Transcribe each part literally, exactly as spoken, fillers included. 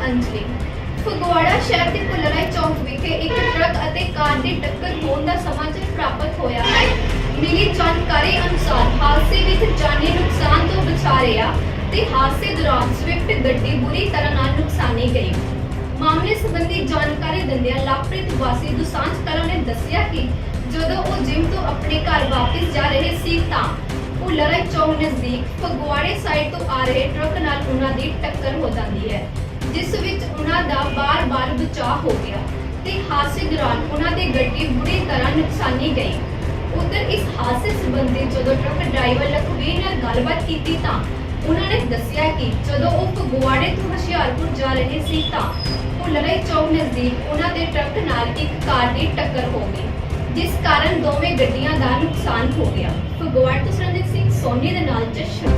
ਅੰਜਲੀ। ਫਗਵਾੜਾ ਸ਼ਹਿਰ ਦੇ ਪੁਲਰਾਈ ਚੌਕ ਵਿਖੇ ਇੱਕ ਟਰੱਕ ਅਤੇ ਕਾਰ ਦੀ ਟੱਕਰ ਹੋਣ ਦਾ ਸਮਾਚਾਰ ਪ੍ਰਾਪਤ ਹੋਇਆ ਹੈ। ਮਿਲੀ ਜਾਣਕਾਰੀ ਅਨੁਸਾਰ ਹਾਦਸੇ ਵਿੱਚ ਜਾਨੀ ਨੁਕਸਾਨ ਤੋਂ ਬਚਾ ਰਿਹਾ ਤੇ ਹਾਦਸੇ ਦੌਰਾਨ ਸਵਿਫਟ ਗੱਡੀ ਬੁਰੀ ਤਰ੍ਹਾਂ ਨਾਲ ਨੁਕਸਾਨੀ ਗਈ। ਮਾਮਲੇ ਸੰਬੰਧੀ ਜਾਣਕਾਰੀ ਦਿੰਦਿਆਂ ਲਾਪ੍ਰਿਤ ਵਾਸੀ ਦੁਸਾਂਝ ਕਲਾਂ ਨੇ ਦੱਸਿਆ ਕਿ ਜਦੋਂ ਉਹ ਜਿਮ ਤੋਂ ਆਪਣੇ ਘਰ ਵਾਪਸ ਜਾ ਰਹੇ ਸੀ ਤਾਂ ਪੁਲਰਾਈ ਚੌਕ ਨਜ਼ਦੀਕ ਫਗਵਾੜੇ ਸਾਈਡ ਤੋਂ ਆ ਰਹੇ ਟਰੱਕ ਨਾਲ ਉਹਨਾਂ ਦੀ ਟੱਕਰ ਹੋ ਜਾਂਦੀ ਹੈ, ਜਿਸ ਵਿੱਚ ਉਹਨਾਂ ਦਾ ਬਾਰ-ਬਾਰ ਬਚਾਅ ਹੋ ਗਿਆ ਤੇ ਹਾਦਸੇ ਦੌਰਾਨ ਉਹਨਾਂ ਦੀ ਗੱਡੀ ਬੁਰੀ ਤਰ੍ਹਾਂ ਨੁਕਸਾਨੀ ਗਈ। ਉਧਰ ਇਸ ਹਾਦਸੇ ਸੰਬੰਧੀ ਜਦੋਂ ਟਰੱਕ ਡਰਾਈਵਰ ਲਖਵੀਰ ਨਾਲ ਗੱਲਬਾਤ ਕੀਤੀ ਤਾਂ ਉਹਨਾਂ ਨੇ ਦੱਸਿਆ ਕਿ ਜਦੋਂ ਉਹ ਫਗਵਾੜੇ ਤੋਂ ਹੁਸ਼ਿਆਰਪੁਰ ਜਾ ਰਹੇ ਸੀ ਤਾਂ ਪੁਲਰਾਈ ਚੌਕ ਨਜ਼ਦੀਕ ਉਹਨਾਂ ਦੇ ਟਰੱਕ ਨਾਲ ਇੱਕ ਕਾਰ ਦੀ ਟੱਕਰ ਹੋ ਗਈ, ਜਿਸ ਕਾਰਨ ਦੋਵੇਂ ਗੱਡੀਆਂ ਦਾ ਨੁਕਸਾਨ ਹੋ ਗਿਆ। ਫਗਵਾੜਾ ਤੋਂ ਸਰਨਜੀਤ ਸਿੰਘ ਸੋਨੀ ਦੇ ਨਾਲ ਜਸ਼ਨ।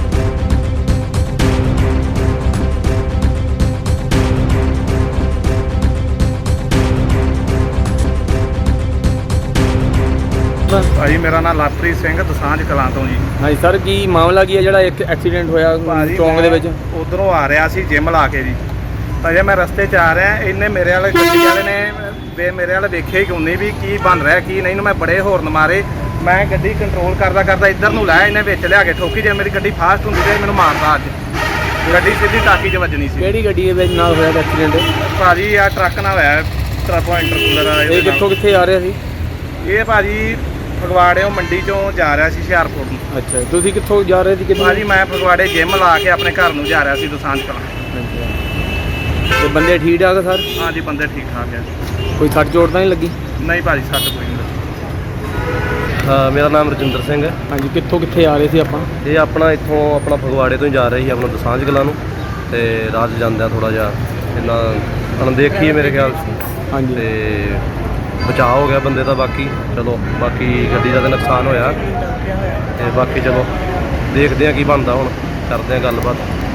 ਭਾਜੀ ਮੇਰਾ ਨਾਮ ਲਵਪ੍ਰੀਤ ਸਿੰਘ ਦਸਾਂਝ ਕਲਾਂ ਤੋਂ ਜੀ। ਹਾਂਜੀ ਸਰ, ਕੀ ਮਾਮਲਾ ਕੀ ਹੈ ਜਿਹੜਾ ਇੱਕ ਐਕਸੀਡੈਂਟ ਹੋਇਆ ਚੌਂਕ ਦੇ ਵਿੱਚ? ਉਧਰੋਂ ਆ ਰਿਹਾ ਸੀ ਜਿਮ ਲਾ ਕੇ ਜੀ, ਤਾਂ ਜੇ ਮੈਂ ਰਸਤੇ 'ਚ ਆ ਰਿਹਾ, ਇਹਨੇ ਮੇਰੇ ਵਾਲੇ ਗੱਡੀ ਵਾਲੇ ਨੇ ਵੇ ਮੇਰੇ ਵਾਲੇ ਵੇਖਿਆ ਹੀ ਕੋਈ ਨਹੀਂ ਵੀ ਕੀ ਬਣ ਰਿਹਾ ਕੀ ਨਹੀਂ ਨੂੰ। ਮੈਂ ਬੜੇ ਹੋਰਨ ਮਾਰੇ, ਮੈਂ ਗੱਡੀ ਕੰਟਰੋਲ ਕਰਦਾ ਕਰਦਾ ਇੱਧਰ ਨੂੰ ਲਾਇਆ, ਇਹਨੇ ਵਿੱਚ ਲਿਆ ਕੇ ਠੋਕੀ। ਜੇ ਮੇਰੀ ਗੱਡੀ ਫਾਸਟ ਹੁੰਦੀ ਤੇ ਮੈਨੂੰ ਮਾਰਦਾ ਅੱਜ। ਗੱਡੀ ਸਿੱਧੀ ਟਾਕੀ 'ਚ ਵੱਜਣੀ ਸੀ। ਕਿਹੜੀ ਗੱਡੀ ਦੇ ਵਿੱਚ ਨਾਲ ਹੋਇਆ ਐਕਸੀਡੈਂਟ? ਭਾਜੀ ਆ ਟਰੱਕ ਨਾਲ ਹੋਇਆ, ਟਰੱਕ ਇੰਟਰਕੂਲਰ। ਇਹ ਕਿੱਥੋਂ ਕਿੱਥੇ ਆ ਰਿਹਾ ਸੀ? ਇਹ ਭਾਜੀ ਫਗਵਾੜਿਓਂ ਮੰਡੀ 'ਚੋਂ ਜਾ ਰਿਹਾ ਸੀ ਹੁਸ਼ਿਆਰਪੁਰ ਨੂੰ। ਅੱਛਾ, ਤੁਸੀਂ ਕਿੱਥੋਂ ਜਾ ਰਹੇ ਸੀ? ਕਿੱਥੇ? ਭਾਜੀ ਮੈਂ ਫਗਵਾੜੇ ਜਿਮ ਲਾ ਕੇ ਆਪਣੇ ਘਰ ਨੂੰ ਜਾ ਰਿਹਾ ਸੀ ਦਸਾਂਝ ਕਲਾਂ। ਤੇ ਬੰਦੇ ਠੀਕ ਠਾਕ ਸਰ? ਹਾਂਜੀ ਬੰਦੇ ਠੀਕ ਠਾਕ ਹੈ। ਕੋਈ ਸੱਟ ਚੋਟ ਤਾਂ ਨਹੀਂ ਲੱਗੀ? ਨਹੀਂ ਭਾਜੀ ਸੱਟ ਕੋਈ ਨਹੀਂ ਲੱਗੀ। ਹਾਂ, ਮੇਰਾ ਨਾਮ ਰਜਿੰਦਰ ਸਿੰਘ ਹੈ। ਹਾਂਜੀ, ਕਿੱਥੋਂ ਕਿੱਥੇ ਆ ਰਹੇ ਸੀ ਆਪਾਂ? ਇਹ ਆਪਣਾ ਇੱਥੋਂ ਆਪਣਾ ਫਗਵਾੜੇ ਤੋਂ ਹੀ ਜਾ ਰਹੇ ਸੀ ਆਪਣਾ ਦਸਾਂਝ ਕਲਾਂ ਨੂੰ, ਤੇ ਰਾਹ 'ਚ ਜਾਂਦਿਆਂ ਥੋੜ੍ਹਾ ਜਿਹਾ ਇੰਨਾ ਅਣਦੇਖੀ ਹੈ ਮੇਰੇ ਖਿਆਲ 'ਚ, ਹਾਂਜੀ। ਤੇ ਬਚਾਅ ਹੋ ਗਿਆ ਬੰਦੇ ਦਾ। ਬਾਕੀ ਚਲੋ ਬਾਕੀ ਗੱਡੀ ਦਾ ਤਾਂ ਨੁਕਸਾਨ ਹੋਇਆ, ਤੇ ਬਾਕੀ ਚਲੋ ਦੇਖਦੇ ਹਾਂ ਕੀ ਬਣਦਾ, ਹੁਣ ਕਰਦੇ ਹਾਂ ਗੱਲਬਾਤ।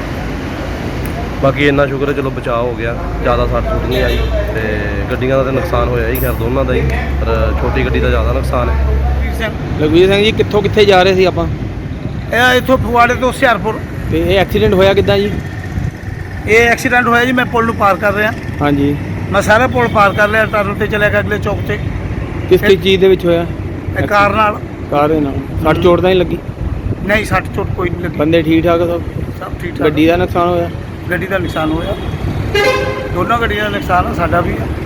ਬਾਕੀ ਇੰਨਾ ਸ਼ੁਕਰ ਹੈ ਚਲੋ ਬਚਾਅ ਹੋ ਗਿਆ, ਜ਼ਿਆਦਾ ਸੱਟ ਸੁੱਟ ਨਹੀਂ ਆਈ। ਤੇ ਗੱਡੀਆਂ ਦਾ ਤਾਂ ਨੁਕਸਾਨ ਹੋਇਆ ਹੀ, ਖੈਰ ਦੋਨਾਂ ਦਾ ਹੀ, ਪਰ ਛੋਟੀ ਗੱਡੀ ਦਾ ਜ਼ਿਆਦਾ ਨੁਕਸਾਨ ਹੈ। ਲਖਵੀਰ ਸਿੰਘ ਜੀ, ਕਿੱਥੋਂ ਕਿੱਥੇ ਜਾ ਰਹੇ ਸੀ ਆਪਾਂ? ਇਹ ਇੱਥੋਂ ਫਗਵਾੜੇ ਤੋਂ ਹੁਸ਼ਿਆਰਪੁਰ। ਤੇ ਇਹ ਐਕਸੀਡੈਂਟ ਹੋਇਆ ਕਿੱਦਾਂ ਜੀ? ਇਹ ਐਕਸੀਡੈਂਟ ਹੋਇਆ ਜੀ, ਮੈਂ ਪੁਲ ਨੂੰ ਪਾਰ ਕਰ ਰਿਹਾ। ਹਾਂਜੀ, ਮੈਂ ਸਾਰਾ ਪੁਲ ਪਾਰ ਕਰ ਲਿਆ, ਟਰਨ ਤੇ ਚਲਿਆ ਗਿਆ ਅਗਲੇ ਚੌਕ ਤੇ। ਕਿਸ ਕਿਸ ਚੀਜ਼ ਦੇ ਵਿੱਚ ਹੋਇਆ? ਇਹ ਕਾਰ ਨਾਲ। ਕਾਰ ਦੇ ਨਾਲ ਸੱਟ ਚੋਟ ਤਾਂ ਨਹੀਂ ਲੱਗੀ? ਨਹੀਂ ਸੱਟ ਚੋਟ ਕੋਈ ਨਹੀਂ ਲੱਗੀ, ਬੰਦੇ ਠੀਕ ਠਾਕ ਸਭ? ਸਭ ਠੀਕ ਠਾਕ। ਗੱਡੀ ਦਾ ਨੁਕਸਾਨ ਹੋਇਆ? ਗੱਡੀ ਦਾ ਨੁਕਸਾਨ ਹੋਇਆ, ਦੋਨੋਂ ਗੱਡੀਆਂ ਦਾ ਨੁਕਸਾਨ ਆ, ਸਾਡਾ ਵੀ ਆ।